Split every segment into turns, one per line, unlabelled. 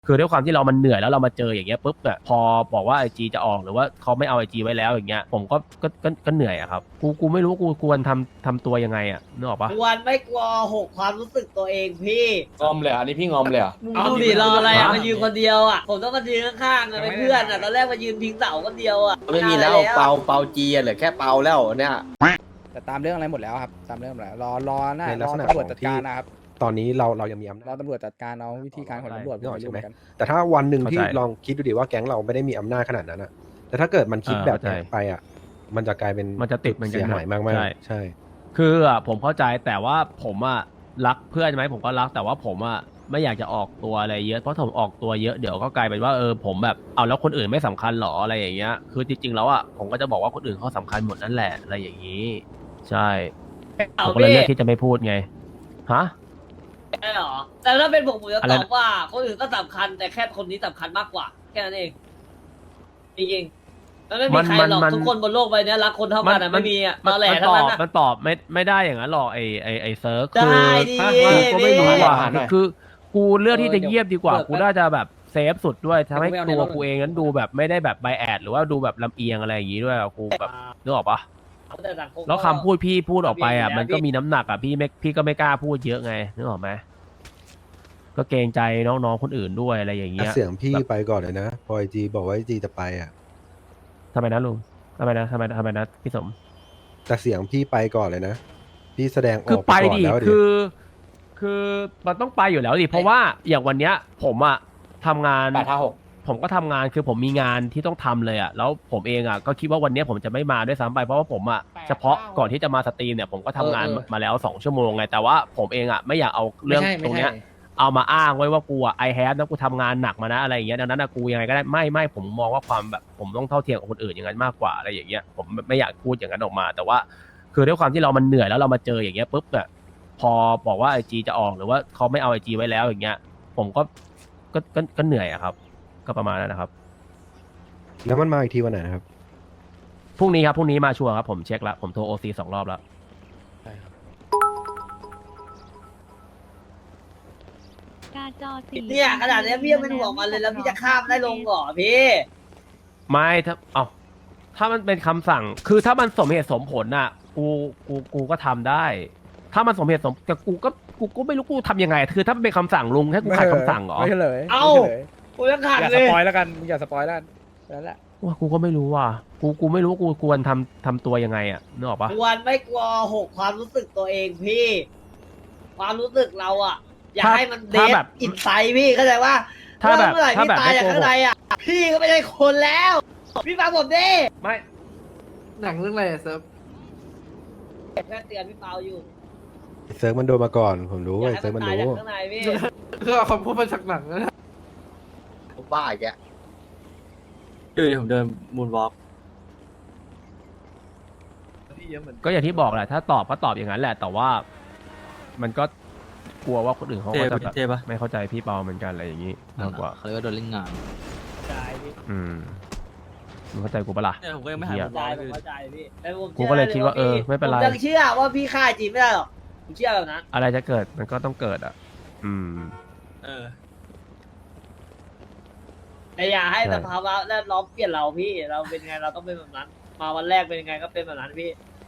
คือด้วยความที่เรามันเหนื่อยแล้วเรามาเจออย่างเงี้ยปุ๊บเนี่ยพอบอกว่าไอจีจะออกหรือว่าเขาไม่เอาไอจีไว้แล้วอย่างเงี้ยผมก็เหนื่อยอะครับกูไม่รู้กูควรทำตัวยังไงอะนึกออกปะ
กวนไม่กลัวหกความรู้สึกตัวเองพี่
งอมเลยอันนี้พี่งอมเลยเหรอ
มึงดูดิรออะไรอ่ะมายืนคนเดียวอ่ะผมต้องมายืนข้างๆอ่ะเป็นเพื่อนอ่ะตอนแรกมายืนพิงเสาคนเดียวอ่ะ
ไม่มีแล้วเปาจีเหลือแค่เปาแล้วเนี่ย
แต่ตามเรื่องอะไรหมดแล้วครับตามเรื่องหมดแล้วรอหน้า
ในลั
ร
ก
อ
ษณะ
ตำรวจ
ของ
จัด
ที่
การนะครับ
ตอนนี้เรายังมีอำ
ร
นา
อ
จ
ตำรวจจัดการเอาวิธีการของตำรวจ
นึกออก
ไป
ใช่
รู้
ไหม
กัน
แต่ถ้าวันหนึ่งที่
เข้าใจ
ลองคิดดูดิว่าแก๊งเราไม่ได้มีอำนาจขนาดนั้นอะแต่ถ้าเกิดมันคิดแบบเนี้ย
เข้าใจ
ไปอะมันจะกลายเป็น
มันจะติดเหมือนกัน
เสียหายมาก
ใช่
ๆใช่
คืออ่ะผมเข้าใจแต่ว่าผมอ่ะรักเพื่อนไหมผมก็รักแต่ว่าผมอ่ะไม่อยากจะออกตัวอะไรเยอะเพราะผมออกตัวเยอะเดี๋ยวก็กลายเป็นว่าผมแบบเอาแล้วคนอื่นไม่สำคัญหรออะไรอย่างเงี้ยคือจริงๆแล้วอ่ะผมก็จะบอกว่าคนอื่นเขาสำคัญหมดนั่นแหละอะไรอย่างนี้ ใช่ผ
เอา
มก็เลย
พี่
เลือกที่จะไม่พูดไงฮะ
ใช่หรอแต่ถ้าเป็นผมจะ
อะไร
ต
นะ
อบว่าคนอื่นก็สำคัญแต่แค่คนนี้สำคัญมากกว่าแค่นั้นเองจริงๆมันไม่มีใครหรอกทุกคนบนโลกใบนี้รักคนเท่ากันอ่ะไม่มีอ่ะมาแหล่ทั้งนั้นอ่ะ
มันตอบไม่ได้อย่างนั้นหรอกไอเซิร์ฟ
ได้
คือ
ดิ
กูก็ไม่รู้
พี่
ว่า
หาหน่อย
คือกูเลือกที่จะเงียบดีกว่า
เปิด
กูน่าจะแบบเซฟสุดด้วยทำให้
เดี๋ยวกู
ตัว
ไปเอาในรถ
กูเองนั้นดูแบบไม่ได้แบบไบแอดหรือว่าดูแบบลำเอียงอะไรอย่างงี้ด้วยอะกูแบบนึกออกปะ
แต่สังม
แล้วคำพูดพี่พูดออกไปอ่ะ
พี่
มันก็มีน้ำหนักอ่ะพี่ก็ไม่กล้าพูดเยอะไงนึกออกไหมก็เกรงใจน้องๆคนอื่นด้วยอะไรอย่างเงี้ย
เสียงพี่
แบบ
ไปก่อนเลยนะพอไอจีบอกว่าไอจีจะไปอะ
ทำไมนะลุงทำไมนะพี่สม
แต่เสียงพี่ไปก่อนเลยนะพี่แสดงอ
คือ
อก
ไป
ก่อน
ดิ
แล้ว
คือมันต้องไปอยู่แล้วดิเพราะว่าอย่างวันเนี้ยผมอะทำงาน
856
ผมก็ทำงานคือผมมีงานที่ต้องทำเลยอะแล้วผมเองอะก็คิดว่าวันเนี้ยผมจะไม่มาด้วยซ้ำไปเพราะว่าผมอะเฉพาะก่อนที่จะมาสตรีมเนี่ยผมก็ทำงานมาแล้ว2 ชั่วโมงไงแต่ว่าผมเองอะไม่อยากเอาเรื่องตรงเนี้ยเอามาอ้างไว้ว่ากูอะไอแฮปนะกูทำงานหนักมานะอะไรอย่างเงี้ยดังนั้นอะกูยังไงก็ได้ไม่ผมมองว่าความแบบผมต้องเท่าเทียมกับคนอื่นอย่างนั้นมากกว่าอะไรอย่างเงี้ยผมไม่อยากพูดอย่างนั้นออกมา แต่ว่า คือด้วยความที่เรามันเหนื่อยแล้วเรามาเจออย่างเงี้ยปุ๊บเนี่ยพอบอกว่าไอจีจะออกหรือว่าเขาไม่เอาไอจีไว้แล้วอย่างเงี้ย ผมก็เหนื่อยอะครับ ก็ประมาณนั้นนะครับ
แล้วมันมาอีกทีวันไหนนะครับ
พรุ่งนี้ครับพรุ่งนี้มาชัวร์ครับผมเช็คแล้วผมโทรโอซี2 รอบแล้ว
การจอสี
เนี่ยขนาดนี้พี่ยังเป็นห่วงมันเลยแล้วพี่จะข้ามได้ลงเหรอพี่
ไม่ถ้ามันเป็นคำสั่ง คือถ้ามันสมเหตุสมผลน่ะกูก็ทำได้ ถ้ามันสมเหตุสมแต่กูก็ไม่รู้กูทำยังไง คือถ้ามันเป็นคำสั่งลุงให้กูขัดคำสั่งเหรอ
ไม่เฉลย
เอ้า
ไม่เฉลย
กูยังขาด
อย่า
เล
ส
ย
ปอยแล้วกันมึงอย่าสปอยแล้วกันนั่นแหละ
ว่ากูก็ไม่รู้ว่ะกูไม่รู้กูควรทำตัวยังไงอ่ะนึกออกปะ
กวนไม่กลัวหกความรู้สึกตัวเองพี่ ความรู้สึกเราอ่ะ อยากให้มันเด
ถ้า
ท
แบบ
อินไซด์พี่เข้าใจว่า
ถ้าแบบ
เมื่อไหร่
ถ้า
พี่
แบบ
ตาย
ไม่
จาก
โกหก
ข้างในอ่ะ พี่ก็ไม่ใช่คนแล้ว พี่ฟังผมดิ
ไม่
หนังเรื่องอะไรอะเซิร์ฟ
แค่เตือนพี่เปาอยู่
เซิร์ฟมันโดนมาก่อนผมรู้
อยาก
ไอ
ให้
เซิร์ฟ
มั
มัน น
ตาย
รู้
จากข้างในพี่
คือเอาคำพูดมาจากหนังนะ
บ้าอีกแก
ผมเดินมูนวอล์กพี่เยอะเหมือน
ก็อย่างที่บอกแหละถ้าตอบก็ตอบอย่างนั้นแหละ แต่ว่ามันก็กลัวว่าคนอื่นเขาก็จะแบบ
เท่ปะ
ไม่เข้าใจพี่เปาเหมือนกันอะไรอย่างนี้มากกว่า
เขาเรียกว่าโดนเล่นงาน
อืมมึงเข้าใจกูปะล่ะ
เนี่ยผมก็ยังไม่หาย
เหี้ย
มูนวอ
เข้า
ล์ก
ใจพี่แล้วผม
กูก็เลยคิดว่าไม่เป็นไร
ผมยังเชื่อว่าพี่ฆ่าจริงไม่ได้หรอกผมเชื่อแบบนั้น
อะไรจะเกิดมันก็ต้องเกิดอ่ะ อืม
เออ
แต่อย่าให้
ใช่
สภาวะแวดล้อมเปลี่ยนเราพี่ เราเป็นไงเราต้องเป็นแบบนั้น มาวันแรกเป็นยังไงก็เป็นแบบนั้นพี่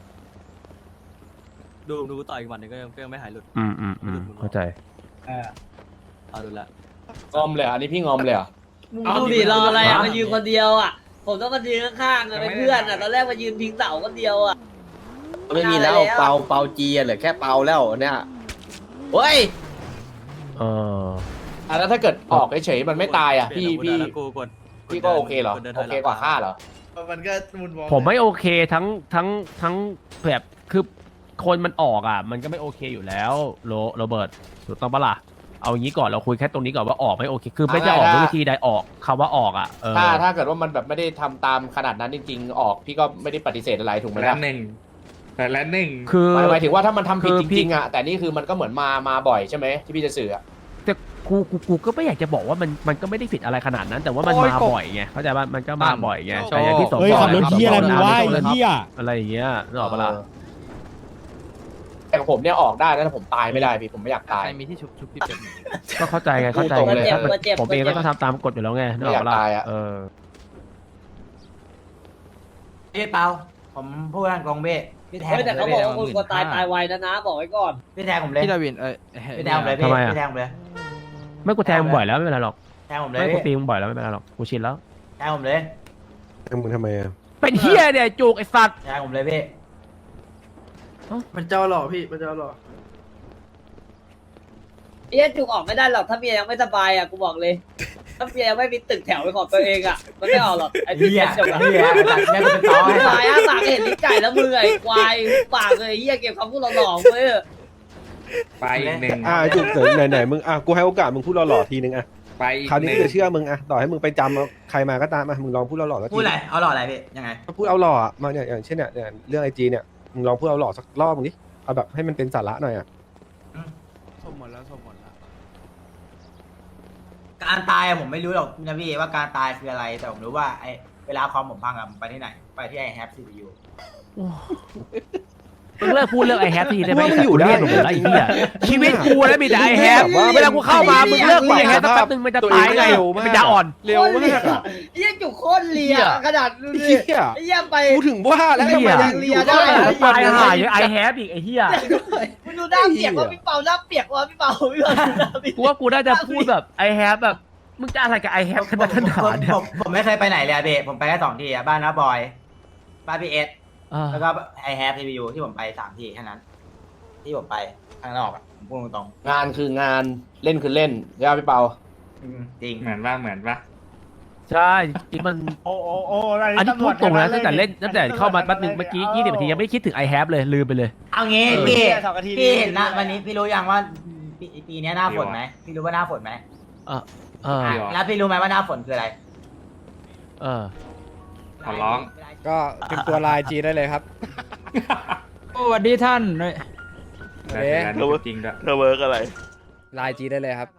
ดูต่ออีกวันหนึงก็ยังไม่หายหลุด
เข้าใจ
เอาดูละ
งอมเลยอันนี้พี่งอมเลยเหรอ
มึงดูดิรออะไรอ่ะ
ฮะ
มายืนคนเดียวอ่ะ ผมต้องมายืนข้างๆอ่ะเป็นเพื่อนอ่ะตอนแรกมายืนพิงเสาคนเดียวอ่ะ
ไม่มีแล้วเปาจีเหลือแค่เปาแล้วเนี่ยเฮ้ย
เออ
แล้วถ้าเกิดออกเฉยๆมันไม่ตายอ่ะพี่
กูกด
พี่ก็โอเคเหรอ
ดินถ
โอย
ห
เค
ลัง
กว่าฆ่าเหรอ
มันก็มูนวอล์ก
ผมไม่โอเคทั้งแบบคือคนมันออกอ่ะ มันก็ไม่โอเคอยู่แล้วโรเบิร์ตถูกต้องปะล่ะเอางี้ก่อนเราคุยแค่ตรงนี้ก่อนว่าออกไม่โอเค คือไม่จะออกด้วยวิธีใดออกคำว่าออกอ่ะเออ
ถ้าเกิดว่ามันแบบไม่ได้ทำตามขนาดนั้นจริงๆ ออกพี่ก็ไม่ได้ปฏิเสธอะไรถูกไหม
แล้
ล่ะ
วหนึ่งแต่แล้วหนึ่ง
คือ
หมายถึงว่าถ้ามันทำผิด
คือ
จ
พี่
ริงๆอ่ะแต่นี่คือมันก็เหมือนมาบ่อยใช่ไหมที่พี่จะสื่ออะ
แต่กูก็ไม่อยากจะบอกว่ามันก็ไม่ได้ผิดอะไรขนาดนั้น แต่ว่ามันมาบ่อยไงเข้าใจป่ะมันก็มาบ่อยไงแต่อย่างที่สม
เฮ้ย
บอก
ขับรถเฮียอะไรมึงวะ
ม่
ไอ้
ต้ง
เฮีย
อะไรอย่างเงี้ยนึกออกปะล่ะ
แต่ผมเนี่ยออกได้นะแต่ผมตายไม่ได้พี่ผมไม่อยากตาย
ใครมีที่ชุบพี่เป็ด
ก็เข้าใจไงเข้าใจ
พูดตรง
ไง
เลย
ถ้ามัน
เจ็บ
ผมเองก็ต้องทำตามกฎอยู่แล้วไงนึกออกปะล่ะ
ไม่อยากตายอะ
พี่เปาผมพูดตรงๆพี่พี่แทง
เฮ้ยแต่เขาบอกว่าคนกลัวตายตายไวนะบอกไว้ก่อน
พี่แทงผมเลย
พี่ดาวิน
พี่แทงผมเลยพี่พี่แทงผมเลย
ไม่กูแทงมึงบ่อยแล้วไม่เป็นไรหรอก
แทงผมเลย
ไม่กู
พี่
ตีมึงบ่อยแล้วไม่เป็นไรหรอกกูชินแล้ว
แทงผมเลย
มึงทำไมอ่ะ
เป็นเฮียเนี่ยจุกไอ้สัตว์
แทงผมเลยพี่
มันเจ้าหล่อพี่มันเจ้าหล่อ
เอี้ยจุกออกไม่ได้หรอกถ้าเมียยังไม่สบายอ่ะกูบอกเลย ถ้าเมียยังไม่มีตึกแถวเป็นของตัวเองอ่ะมันไม่ออกหรอกไอ้ที่
เฮีย
เป็นจุกอ่ะ
เฮียตัดแม่เป็นต้อให้
ควายอ่ะปากเห็นลิ้นไก่แล้วมือไอ้ควายปากเลยเฮียเก็บคำพูดหล่อๆไว้เถอะ
ไปอีกหนึ่ง
จุกเสริมไหนๆมึงกูให้โอกาสมึงพูดหล่อๆทีนึงอ่ะ
ไป
คราวนี้กูจะเชื่อมึงอ่ะต่อให้มึงไปจำเอาใครมาก็ตามมึงลองพูดหล่อๆสักที
พูดอะไรเอาหล่ออะไรพี่ยังไง
พูดเอาหล่อมาเนี่ยอย่างเช่นเนี่ยเรื่องไอจีเนี่ยมึงลองพูดเอาหล่อสักรอบมึงดิเอาแบบให้มันเป็นสาระหน่อยอ่ะ
สมหมดแล้วสมหมดแล้ว
การตายผมไม่รู้หรอกนะพี่ว่าการตายคืออะไรแต่ผมรู้ว่าไอเวลาคอมผมพังอะผมไปที่ไหนไปที่ไอแฮปซีพียู
มึงเลิกพูดเรื่องไอแฮปทีได้ไหม
ว่ามึงอยู่ได้
หมดแล้วไอ้เหี้ยชีวิตกูแล้วมีแต่ไอแฮปเวลากูเข้ามามึงเลิกพูดไอแฮปสักแป๊บนึงมันจะตายไงมันจะอ่อน
เร็วมากอ่ะ
เฮียจุกโคตรเลียขนาดดูดิ
เหี้ย
เฮียไป
กูถึงว่าแล้วทำไมยังอยู่
ได้
ตายหายไอแฮปอีกไอ้เหี้ย
มึงดูหน้าเปียกว่าพี่เปาหน้าเปียกว่าพี่เปาพี่เปาดูหน้าเปียก
กูว่ากูน่าจะพูดแบบไอแฮปแบบมึงจะอะไรกับไอแฮปขนาดเนี่ย
ผมไม่เคยไปไหนเลยอะเบผมไปแค่2 ที่อะบ้านน้าบอยบ้านพี่เอสแล้วก็ไอแฮปซีพียูที่ผมไป3 ที่แค่นั้น ที่ผมไปข้างนอกอะผมพูดตรง
งานคืองานเล่นคือเล่นใช่ไหมพี่เปา
ๆจริง
เหมือนปะ
ใช่จริงมัน
โอ้
อันนี้พูดตรงนะตั้งแต่เล่นตั้งแต่เข้ามาแป๊บนึงเมื่อกี้20 นาทียังไม่คิดถึง I have เลยลืมไปเลย
เอางี้พี่เห็นนะวันนี้พี่รู้ยังว่าปีนี้หน้าฝนไหมพี่รู้ว่าหน้าฝนไหม แล้วพี่รู้ไหมว่าหน้าฝนคืออะไร
ขอร้อง
ก็เป็นตัวลายจีได้เลยครับ
สวัสดีท่าน
โอเค
จริงด้วย
ลายจีได้เลยครับ